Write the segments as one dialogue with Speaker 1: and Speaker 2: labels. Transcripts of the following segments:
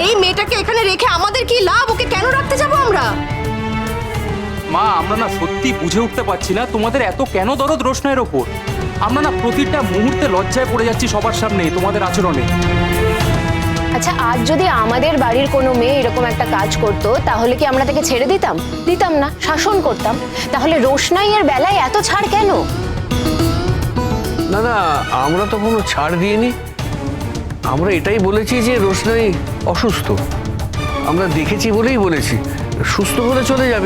Speaker 1: এই মেয়েটাকে এখানে রেখে আমাদের কি লাভ? ওকে কেন রাখতে যাবো আমরা?
Speaker 2: মা, আমরা না সত্যি বুঝে উঠতে পারছি না তোমাদের এত কেন দরদ রোশনাইয়ের ওপর। আমরা না প্রতিটা মুহূর্তে লজ্জায় পড়ে যাচ্ছি সবার সামনে তোমাদের আচরণে।
Speaker 3: আচ্ছা, আজ যদি আমাদের বাড়ির কোনো মেয়ে এরকম একটা কাজ করতো তাহলে কি আমরা তাকে ছেড়ে দিতাম? দিতাম না, শাসন করতাম। তাহলে রোশনাইয়ের বেলায় এত ছাড় কেন?
Speaker 4: না না, আমরা তো কোনো ছাড় দিইনি। আমরা এটাই বলেছি যে রোশনাই অসুস্থ, আমরা দেখেছি বলেই বলেছি, সুস্থ হলে চলে যাবে।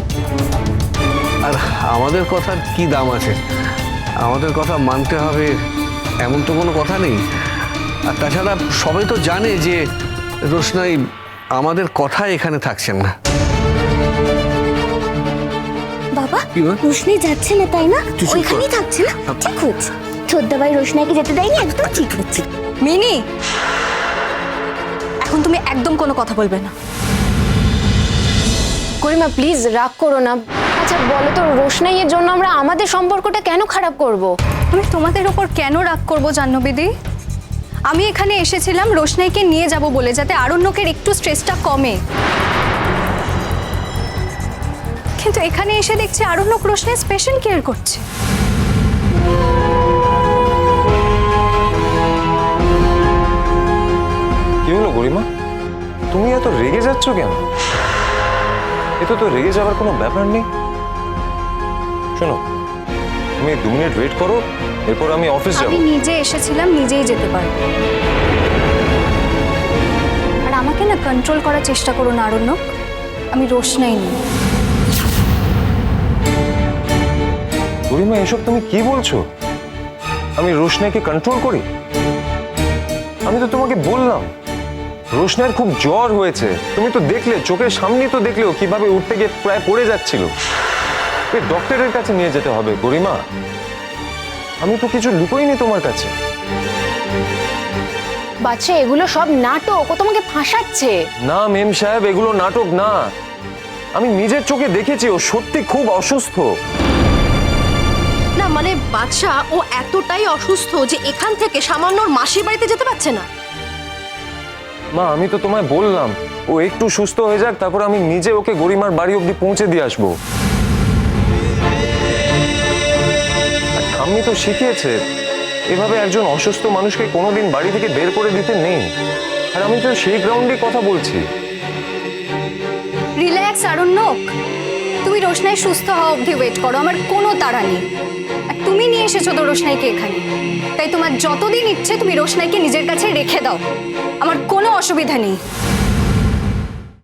Speaker 4: আর আমাদের কথার কি দাম আছে? আমাদের কথা মানতে হবে এমন তো কোনো কথা নেই। আর তাছাড়া সবাই তো জানে যে রোশনাই আমাদের কথায় এখানে থাকছেন না।
Speaker 5: বাবা,
Speaker 4: কি বল?
Speaker 5: রোশনাই যাচ্ছে না তাই না?
Speaker 4: তুই চুপ কর।
Speaker 5: ওইখানেই থাকছে না? ঠিক হচ্ছে। ছোটদাবাই রোশনাইকে যেতে দেয়নি, একদম ঠিক হচ্ছে।
Speaker 1: মিনি, এখন তুমি একদম কোনো কথা বলবে না।
Speaker 3: গরিমা প্লিজ রাগ করো না। আচ্ছা বলো তো, রোশনাইয়ের জন্য আমরা আমাদের সম্পর্কটা কেন খারাপ করব?
Speaker 6: আমি তোমাদের ওপর কেন রাগ করবো জাহ্নবীদি? আমি এখানে এসেছিলাম রোশনাইকে নিয়ে যাব বলে, যাতে আরণ্যকের একটু স্ট্রেসটা কমে। কিন্তু এখানে এসে দেখছি আরণ্যক রোশনাই স্পেশাল কেয়ার করছে।
Speaker 7: কি হলো গরিমা, তুমি এত রেগে যাচ্ছ কেন? এতে তো রেগে যাওয়ার কোনো ব্যাপার নেই। শোনো, তুমি 2 মিনিট ওয়েট করো, এরপর আমি অফিস যাব।
Speaker 6: আমি নিজে এসেছিলাম, নিজেই যেতে পারবো। আর আমাকে না কন্ট্রোল করার চেষ্টা করো না আরণ্যক, আমি রোশনাই নই।
Speaker 7: গরিমা, এসব তুমি কি বলছো? আমি রোশনাইকে কন্ট্রোল করি? আমি তো তোমাকে বললাম রোশনাইয়ের খুব জ্বর হয়েছে। তুমি তো দেখলে, চোখের সামনেই তো দেখলেও কিভাবে উঠতে গিয়ে প্রায় পড়ে যাচ্ছিল। এই ডক্টরের কাছে নিয়ে যেতে হবে গরিমা। আমি তো কিছু লুকোইনি তোমার কাছে।
Speaker 3: বাচ্চা, এগুলো সব নাটক, ও তোমাকে ফাঁসাচ্ছে।
Speaker 7: না মেম সাহেব, এগুলো নাটক না। আমি নিজের চোখে দেখেছি ও সত্যি খুব অসুস্থ।
Speaker 1: না মানে বাদশা, ও এতটাই অসুস্থ যে এখান থেকে সামান্য ওর মাসির বাড়িতে যেতে পারছে না।
Speaker 7: মা, আমি তো তোমায় বললাম ও একটু সুস্থ হয়ে যাক, তারপর আমি নিজে ওকে গরিমার বাড়ি অবধি পৌঁছে দিয়ে আসবো। আর ঠাম্মি তো শিখিয়েছে এভাবে একজন অসুস্থ মানুষকে কোনোদিন বাড়ি থেকে বের করে দিতে নেই। আর আমি তো সেই গ্রাউন্ডে কথা বলছি।
Speaker 6: রিল্যাক্স আরণ্যক, তুমি রোশনাই সুস্থ হওয়া অবধি ওয়েট করো, আমার কোনো তাড়া নেই। আর তুমি নিয়ে এসেছো তো রোশনাইকে এখানে, তাই তোমার যতদিন ইচ্ছে তুমি রোশনাইকে নিজের কাছে রেখে দাও, আমার কোনো অসুবিধা নেই।